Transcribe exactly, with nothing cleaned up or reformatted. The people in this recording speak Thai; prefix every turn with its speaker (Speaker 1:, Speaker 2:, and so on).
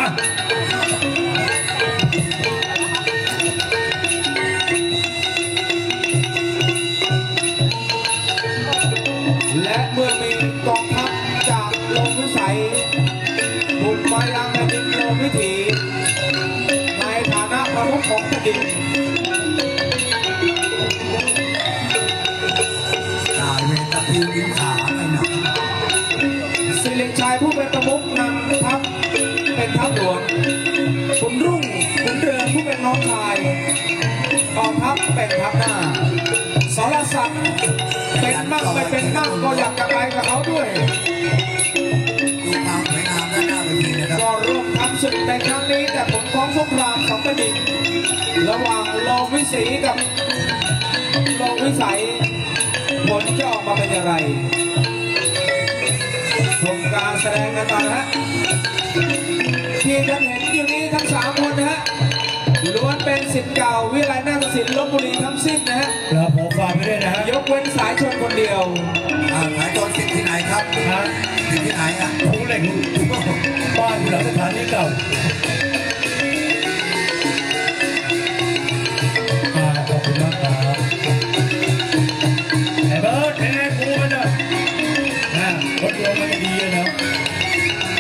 Speaker 1: และเมื่อมีกองทัพจากลมวิสัยบุกมายังแผ่นดินลมวิถีในฐานะประมุขของแผ่นดิน
Speaker 2: ตายเวทพิวดินขาไม่หนัก
Speaker 1: สิริชัยผู้เป็นประมุขนำทัพเป็นทัพหลวงขุนรุ่งขุนเรืองผู้เป็นน้องชายกองทัพเป็นทัพหน้าสรศักดิ์เป็นมั่งไม่เป็นมั่งก็อยากจะไปกับเขาด้วย
Speaker 2: ดูความสวยงามด้านหน้าเวทีนะครับ
Speaker 1: ก็ร่วมทำศึกในครั้งนี้แต่ผลของสงครามสองแผ่นดินระหว่างโลมวิสีกับโลมวิสัยผลจะออกมาเป็นอย่างไรชมการแสดงกันต่อนะฮะที่ท่านเห็นอยู่นี้ทั้งสามคนนะฮะล้วนเป็นศิษย์เก่าวิทยาลัยนาฏศิลป์ลพบุรีทั้งสิ้นนะฮะ
Speaker 3: เราผมฟังไปด้วยนะฮะ
Speaker 1: ยกเว้นสายชนคนเดียว
Speaker 2: สายชนสิทธิ์ที่ไหนครับสิทธิ์ที่ไหนอ่ะ
Speaker 3: ผู้เหล็กบ้านหลังสถานีเก่าขอบคุณมากครับไอ้เบิร์ดเป็นไงกูมันอ่ะนะรถยนต์มันดีนะ